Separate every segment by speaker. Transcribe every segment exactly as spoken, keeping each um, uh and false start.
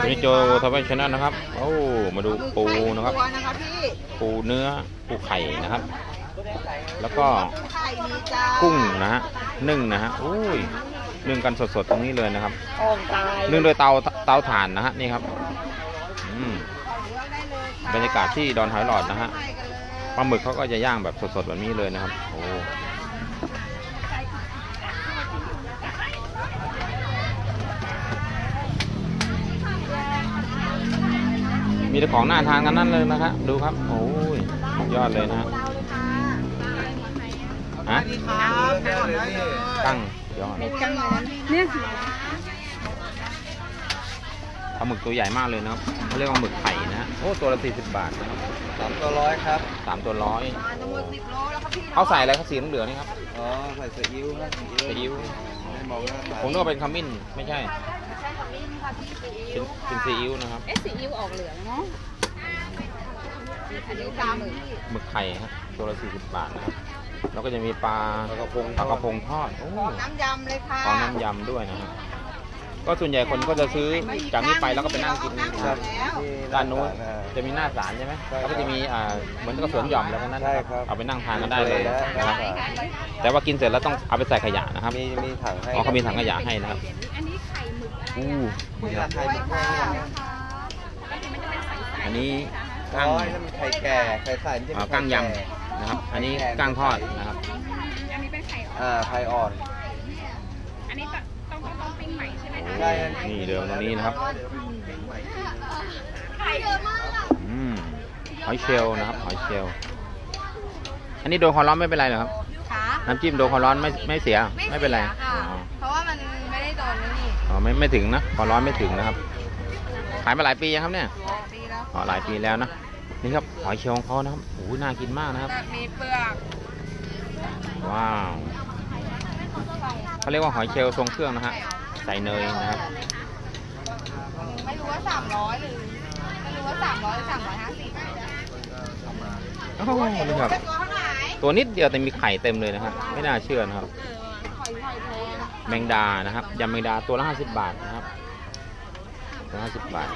Speaker 1: วันนี้โจทวีชนะนะครับโอ้มาดูปูนะครับปูเนื้อปูไข่นะครับแล้วก็กุ้งนะฮะนึ่งนะฮะอุ้ยนึ่งกันสดๆตรงนี้เลยนะครับนึ่งโดยเตาเตาถ่านนะฮะนี่ครับบรรยากาศที่ดอนหอยหลอดนะฮะปลาหมึกเขาก็จะย่างแบบสดๆแบบนี้เลยนะครับโอ้มีแต่ของน่าทานกันนั่นเลยนะครับดูครับโอ้ยยอดเลยนะฮะฮะตั้งยอดเนี่ยปลาหมึกตัวใหญ่มากเลยนะครับเขาเรียกว่าหมึกไข่นะฮะโอ้ตัวละสี่สิบบาทนะครับ
Speaker 2: สามตัวร้อยครับ
Speaker 1: สามตัวร้อยเขาใส่อะไรเขาสีเหลืองนี่ครับ
Speaker 2: อ๋อใส่ซีอิ๊วครับ
Speaker 1: ซีอิ๊วผมนึกว่าเป็นขมิ้นไม่ใช่เป็นเป็นซีอิ๊วนะครับ
Speaker 3: เอ๊ะซีอิ๊วออกเหลืองเนาะอันนี้ปลาหมึก
Speaker 1: หมึกไข่ครับตัวละสี่สิบบาทนะครับแล้วก็จะมีปลาปลากระพงปลากระพงทอดโอ้
Speaker 3: น้ำยำเลยค่ะ
Speaker 1: ขอน้ำยำด้วยนะครับก็ส่วนใหญ่คนก็จะซื้อจากนี้ไปแล้วก็ไปนั่งกินนะครับด้านนู้นจะมีหน้าศาลใช่ไหมแล้วก็จะมีอ่าเหมือนกับสวนหย่อมแล้วนั้นเอาไปนั่งทานกันได้เลยนะครับแต่ว่ากินเสร็จแล้วต้องเอาไปใส่ขยะนะครับ
Speaker 2: มีมีถังให้
Speaker 1: อ๋อเขามีถังขยะให้นะครับ
Speaker 3: อันนี้ไข่หมึก
Speaker 1: อู้
Speaker 2: ไข่หมึก
Speaker 1: อันนี้
Speaker 2: กั้งไข่แก่ไข่ใส
Speaker 1: กั้งยำนะครับอันนี้กั้งทอดนะครับ
Speaker 3: อันนี้เป็นไข่
Speaker 2: อ่าไข่อ่อน
Speaker 3: อันนี้ต้องต้องต้องปิ้งใหม่ใช่ไหมคะ
Speaker 2: ใช่
Speaker 1: นี่เดิมตรงนี้นะครับ
Speaker 3: ไข่เยอะมาก
Speaker 1: อืมหอยเชลล์นะครับหอยเชลล์อันนี้โดนความร้อนไม่เป็นไรเหรอครับน้ำจิ้มโดนความร้อนไม่ไม่เสียไม่เป็นไร
Speaker 3: เพราะว่ามันไม่ได้โดนนี่
Speaker 1: อ๋อไม่ไม่ถึงนะความร้อนไม่ถึงนะครับขายมาหลายปียังครับเนี่ย
Speaker 3: ปีแล้ว
Speaker 1: อ๋อหลายปีแล้วนะนี่ครับหอยเชลล์ของเขานะครับโอ้โหน่ากินมากนะครับ
Speaker 3: มีเปลือก
Speaker 1: ว้าวเขาเรียกว่าหอยเชลล์ทรงเครื่องนะฮะใส่เนยนะครับ
Speaker 3: ไม่รู้ว่าสามร้อยหรือไม่รู้ว่าสามร้อยหรือสามร้อยห้าสิบ
Speaker 1: โอ้โหนี่ครับตัวนิดเดียวแต่มีไข่เต็มเลยนะครับไม่น่าเชื่อนะครับแมงดานะครับยำแมงดาตัวละห้าสิบบาทนะครับตัวห้าสิบบาท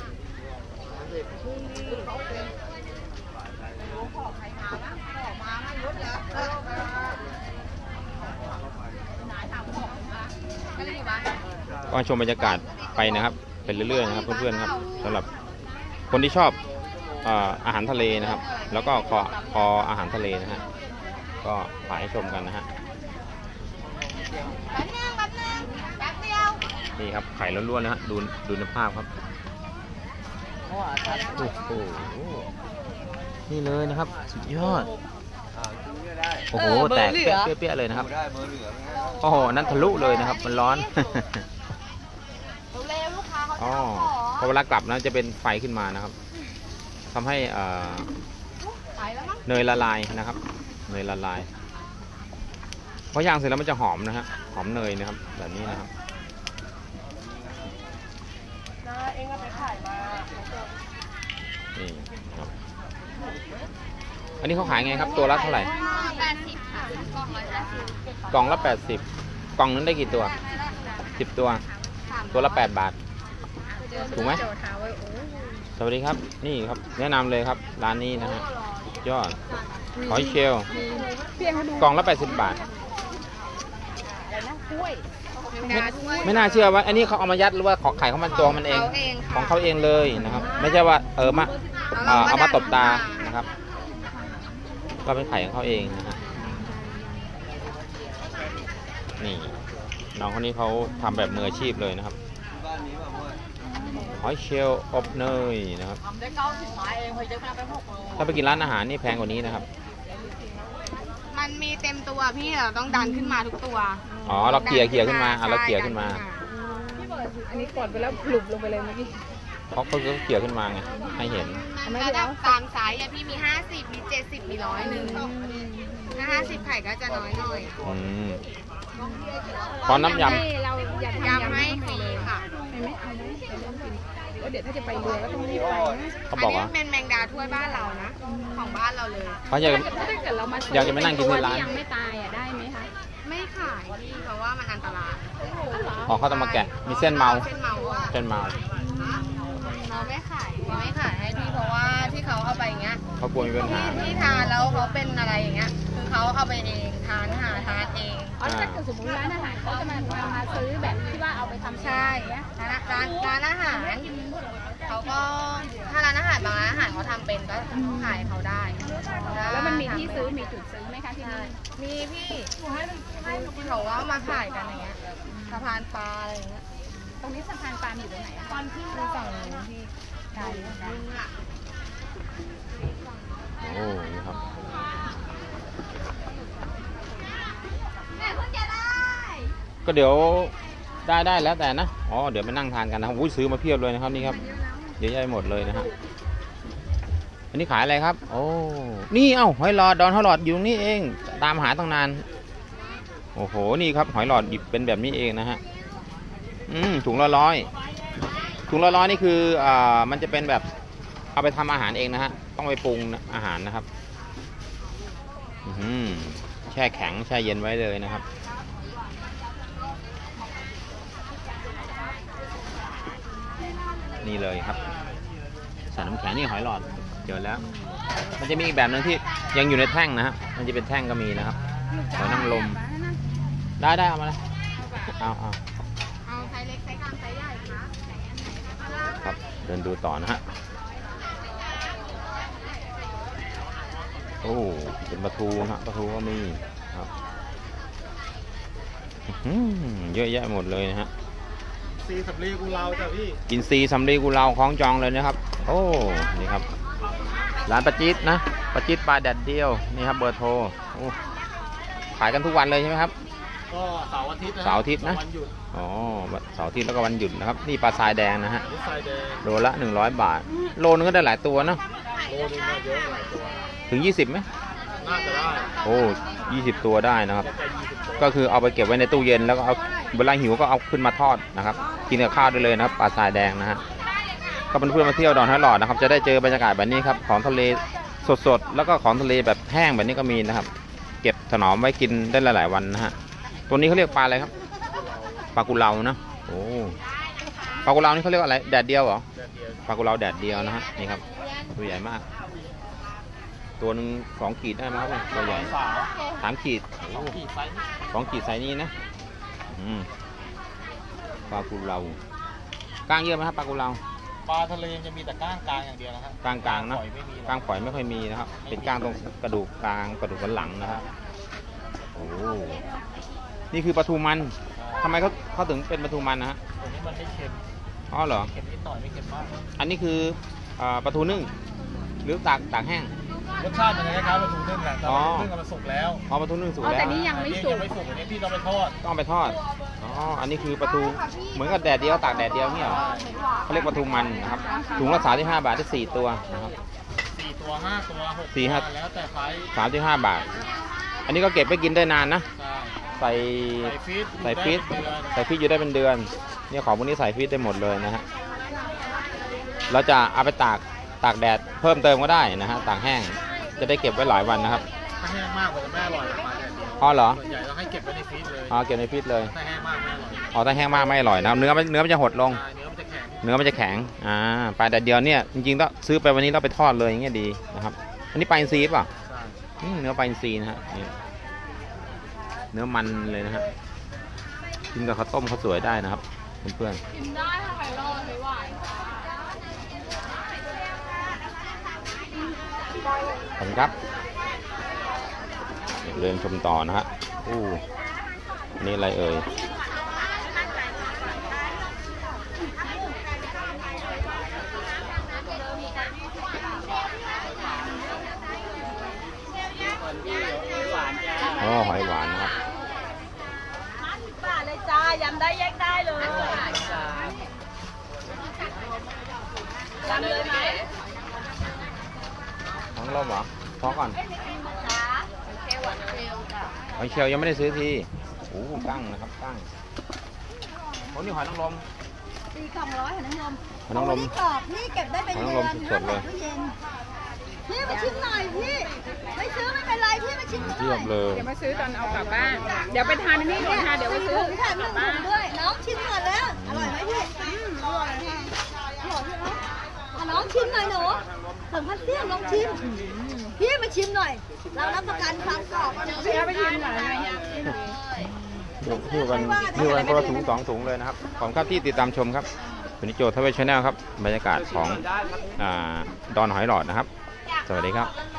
Speaker 1: ก็ชมบรรยากาศไปนะครับเป็นเรื่อยๆนะครับเพื่อนๆครับสำหรับคนที่ชอบอาหารทะเลนะครับแล้วก็คอคออาหารทะเลนะฮะก็ฝากให้ชมกันนะฮะนี่ครับไข่ล้วนๆนะฮะดูดูในภาพครับโอ้โหนี่เลยนะครับสุดยอดโอ้โหแตกเปี้ยๆเลยนะครับโอ้โหนั่นทะลุเลยนะครับมันร้อนอ๋อพอเวลากลับนะจะเป็นไฟขึ้นมานะครับทำให้เนยละลายนะครับเนยละลายพอย่างเสร็จแล้วมันจะหอมนะฮะหอมเนยนะครับแบบนี้นะครับนี่ครับอันนี้เขาขายไงครับตัวละเท่าไหร่กล่องละแปดสิบกล่องนั้นได้กี่ตัวสิบตัวตัวละแปดบาทถูกไหมสวัสดีครับนี่ครับแนะนำเลยครับร้านนี้นะฮะยอดหอยเชลล์กล่องละแปดสิบบาทไม่ไม่น่าเชื่อว่าอันนี้เขาเอามายัดหรือว่าขอไข่เขามันตัวมันเองของเขาเองเลยนะครับไม่ใช่ว่าเออมาเอามาตบตานะครับก็เป็นไข่ของเขาเองนะฮะนี่น้องคนนี้เขาทำแบบมืออาชีพเลยนะครับหอยเชลล์อบเนยนะครับถ้าไปกินร้านอาหารนี่แพงกว่านี้นะครับ
Speaker 3: มันมีเต็มตัวพี่เราต้องดันขึ้นมาทุกตัว
Speaker 1: อ๋อเราเกี่ยเกี่ยขึ้นมาอ่ะเราเกี่ยขึ้นมา
Speaker 3: อันนี้กดไปแล้วหลุบลงไปเลยเมื่อกี้
Speaker 1: เพราะเขาเกี่ยขึ้นมาไงให้เห็น
Speaker 3: ระดับตามไซส์พี่มีห้าสิบมีเจ็ดสิบมีร้อยหนึ่งถ้าห้าสิบไข่ก็จะน้อยหน่อย
Speaker 1: อืมขอน้ำย
Speaker 3: ำเรายำให้ฟรีค่ะเดี๋ยวถ้าจะไปเรือก็ต้องรีบไป
Speaker 1: เขาบอกว่า
Speaker 3: เป็นแมงดาถ้วยบ้านเรานะของบ้านเราเลย
Speaker 1: เขาอยากอยากจะไปนั่งกินที่ร้าน
Speaker 3: ยังไม่ตายอ่ะได้ไหมคะไม่ขายพี่เพราะว่ามันอันตราย
Speaker 1: อ๋อเขาต้องมาแกะมีเส้นเมาเส้นเมา
Speaker 3: เส้นเมานี้ไม่ขายให้พี่เพราะว่าที่เขาเอาไปอย่างเงี้ย
Speaker 1: เขากลัวมีปัญหา
Speaker 3: ที่ที่ทานแล้วเขาเป็นอะไรอย่างเงี้ยคือเขาเอาไปเองทานหาทานเอง
Speaker 4: อ๋อถ้าเกิดสมมติร้านอาหารเขาจะมามามาซื้อแบบที่ว่าเอาไปทำ
Speaker 3: ใช่
Speaker 4: เนี้ย
Speaker 3: ร้านร้านร้านอาหารเขาก็ถ้าร้านอาหารบางร้านอาหารเขาทำเป็นก็ขายเขาได้
Speaker 4: แล้วมันมีที่ซื้อมีจุดซื้อไหมคะที่
Speaker 3: ใช่
Speaker 4: นี่
Speaker 3: มีพี่เขาว่ามาขายกันอย่างเงี้ยสะพานปลาอะไรอย่างเงี้ย
Speaker 4: ตรงนี้สะพานปลาอยู่ตรงไหนอะ
Speaker 3: ตอนที่เราสั่งพี่ใช่ค่ะ
Speaker 1: โอ้นี่ครับ ก็เดี๋ยวได้ได้แล้วแต่นะอ๋อเดี๋ยวไปนั่งทานกันนะครับอุ้ยซื้อมาเพียบเลยนะครับนี่ครับเยอะแยะหมดเลยนะฮะอันนี้ขายอะไรครับโอ้นี่เอ้าหอยหลอดดอนหอยหลอดอยู่ตรงนี้เองตามหาตั้งนานโอ้โหนี่ครับหอยหลอดหยิบเป็นแบบนี้เองนะฮะอืมถุงละร้อยถุงละร้อยนี่คืออ่ามันจะเป็นแบบเอาไปทำอาหารเองนะฮะต้องไปปรุงอาหารนะครับอืมแช่แข็งแช่เย็นไว้เลยนะครับนี่เลยครับใส่น้ำแข็งนี่หอยหลอดเจอแล้วมันจะมีอีกแบบหนึ่งที่ยังอยู่ในแท่งนะฮะมันจะเป็นแท่งก็มีนะครับหอยนางรมได้ได้เอามาเลยเอาเอา
Speaker 3: เอาไซส์เล็กไซส์กลางไซส์ใหญ่คะ
Speaker 1: ครับเดินดูต่อนะฮะโอ้เป็นปลาทูนะฮะปลาทูก็มีครับอื้อหือเยอะแยะหมดเลยนะฮะ
Speaker 2: ซีสำลีกูเราจ้ะพี่
Speaker 1: กินซีสำลีกุเลาคล้องจองเลยนะครับโอ้นี่ครับร้านปลาจิ๊ดนะปลาจิ๊ดปลาแดดเดียวนี่ครับเบอร์โทรโอ้ขายกันทุกวันเลยใช่ไหมครับ
Speaker 2: ก็เสาร์อาทิตย์นะ
Speaker 1: เสาร์อาทิตย์นะ
Speaker 2: วันหยุด
Speaker 1: อ๋อเสาร์อาทิตย์แล้วก็วันหยุดนะครับนี่ปลาทรายแดงนะฮะ
Speaker 2: นิสัยแดง
Speaker 1: โลละหนึ่งร้อยบาทโลนึงก็ได้หลายตัวเนาะ
Speaker 2: โลนึงมาเยอะหลายตัว
Speaker 1: ถึงยี่สิบไหม
Speaker 2: น่าจะได้
Speaker 1: โอ้ยี่สิบตัวได้นะครับ
Speaker 2: จะยี่สิบตัว
Speaker 1: ก็คือเอาไปเก็บไว้ในตู้เย็นแล้วก็เอาเวลาหิวก็เอาขึ้นมาทอดนะครับกินกับข้าวได้เลยนะครับปลาทรายแดงนะฮะก็เป็นเพื่อนมาเที่ยวดอนหอยหลอดนะครับจะได้เจอบรรยากาศแบบนี้ครับของทะเลสดๆแล้วก็ของทะเลแบบแห้งแบบนี้ก็มีนะครับ เก็บถนอมไว้กินได้หลายๆวันนะฮะตัวนี้เขาเรียกปลาอะไรครับปลากุเลานะโอ้ปลากุเลานี่เขาเรียกอะไรแดดเดียวเหรอ
Speaker 2: เดือนเดียว
Speaker 1: ปลากุเลาแดดเดียวนะฮะนี่ครับตัวใหญ่มาก ตัวหนึ่งสองขีดได้ไหมครับเนี่ยตัวใหญ่
Speaker 2: สาว
Speaker 1: สามขีด
Speaker 2: สองขีดไซส์
Speaker 1: สองขีดไซส์นี้นะอืมปลากุเลาก้างเยอะไหมครับปลากุเลา
Speaker 2: ปลาทะเลจะมีแต่ก้างกลางอย่างเดียวนะครับ
Speaker 1: ก้างกลางนะ
Speaker 2: ปล่อยไม่มีหรอก
Speaker 1: ก้างฝอยไม่ค่อยมีนะครับ เป็นก้างตรงกระดูกกลางกระดูกสันหลังนะครับโอ้นี่คือปลาทูมันทำไมเขาเขาถึงเป็นปลาทูมันนะฮะ
Speaker 2: ตัวนี้มันไม่เค็ม
Speaker 1: อ๋อเหรอ
Speaker 2: เค็มนิดหน่อยไม่เค็มมาก
Speaker 1: อันนี้คืออ่าปลาทูนึ่งหรือตากตากแห้ง
Speaker 2: รสชาติมันจะคล้ายๆปลาทูนึ่งแหละแต่
Speaker 1: อ๋อ
Speaker 2: ปลาทูนึ่งอะมันสุกแล้ว
Speaker 1: อ๋อปลาทูนึ่งสุก
Speaker 4: อ๋อ
Speaker 1: แล้ว
Speaker 4: แต่นี่ยังไม่
Speaker 2: อันนี้
Speaker 4: สุ
Speaker 2: ยั
Speaker 4: ก
Speaker 2: งไม่สุกอันนี้พี่ต้องไปทอด
Speaker 1: ต้องเอาไปทอดอ๋ออันนี้คือปลาทูเหมือนกับแดดเดียวตากแดดเดียวเนี่ยเหรอเขาเรียกปลาทูมันนะครับถุงละสามสิบห้าบาทได้สี่ตัวนะครับ
Speaker 2: สี่ตัวห้าตัวหก
Speaker 1: สี่ห้า
Speaker 2: ตัวแล้วแต่ไซส์
Speaker 1: สามสิบห้าบาท อันนี้ก็เก็บไปกินได้นานนะ
Speaker 2: ใช่
Speaker 1: ใส่
Speaker 2: ใส่ฟีด
Speaker 1: ใส่ฟรีซ
Speaker 2: อยู่ได้เป็นเดือน
Speaker 1: ใส่ฟรีซอยู่ได้เป็นเดือนเนี่ยของพวกนี้ใส่ฟรีซได้หมดเลยนะฮะเราจะเอาไปตากตากแดดเพิ่มเติมก็ได้นะฮะตากแห้งจะได้เก็บไว้หลายวันนะครับ
Speaker 2: ถ้าแห้งมากกว่าจะไม่อร่อยปลาแดดเดียว
Speaker 1: อ๋อเหรอ
Speaker 2: ส่วนใหญ่เราให้เก็บไว้ในฟรีซเลย
Speaker 1: อ๋อเก็บในฟรีซเลย
Speaker 2: ถ้าแห้งมากไม่อร่อย
Speaker 1: อ๋อถ้าแห้งมากไม่อร่อยนะครับเนื้อมันเนื้อมันจะหดลง
Speaker 2: ใช่เนื้อมันจะแข็ง
Speaker 1: เนื้อมันจะแข็งอ่าปลาแดดเดียวเนี่ยจริงๆต้องซื้อไปวันนี้เราไปทอดเลยอย่างเงี้ยดีนะครับอันนี้ปลาอินทรีย์ป่ะ
Speaker 2: ใช่
Speaker 1: อืมเนื้อปลาอินทรีย์นะฮะนี่เนื้อมันเลยนะฮะกินกับข้าวต้มข้าวสวยได้นะครับเพื่อนๆ
Speaker 4: กินได้ค่ะไข่รอดไม่ไหว
Speaker 1: ขอบคุณครับเดินชมต่อนะฮะอู้นี่อะไรเอ่ยอ๋อหอยหวานนะครับ
Speaker 4: บาทเลยจ้ายำได้แยกได้เลยยำเลยไหม
Speaker 1: ทั้งลมเหรอพอก่อน
Speaker 4: จ้าเทวดเร็วจ้ะ
Speaker 1: หอยเชลล์ยังไม่ได้ซื้อทีโอ้กั้งนะครับกั้งโอ้นี่หอยนางรม
Speaker 5: ตีกล่องร้อยหอยนางรม
Speaker 1: หอยนางรม
Speaker 5: นี่กรอบนี่เก็บได้เป็น
Speaker 1: หอย
Speaker 5: เดื
Speaker 1: นางร
Speaker 5: อ
Speaker 1: ม
Speaker 5: น
Speaker 1: สดๆเลย
Speaker 5: ตู้เย็นพี่มาชิมหน่อยพี่ไม่ซื้อไม่เป็นไรพี่มาชิมหน่
Speaker 1: เทีย
Speaker 5: อบ ย
Speaker 1: เลย
Speaker 4: เดี๋ยวมาซื้อตอนเอากลับบ้าน เดี๋ยวไปทานอันนี่ก่อนค่ะเดี๋ยวไปซื้อ
Speaker 5: พี่ถ่ายหนึ่งถุงด้วยน้องชิมก่อนแล้วอร่อยไหมพี่อืมอร่อยค่ะอร่อยพี่เนาะอน้องชิมหน่อยหนูเสริมพันเตี้ยลองชิมพี่มาชิมหน่อย เรารับประกันความกรอบพี่ไปชิมหน่อย
Speaker 1: หิ้วกันหิ้วกันคนละถุงสองถุงเลยนะครับขอบคุณครับที่ติดตามชมครับวันนี้โจทย์ทวีชแนลครับบรรยากาศของอ่าดอนหอยหลอดนะครับสวัสดีครับ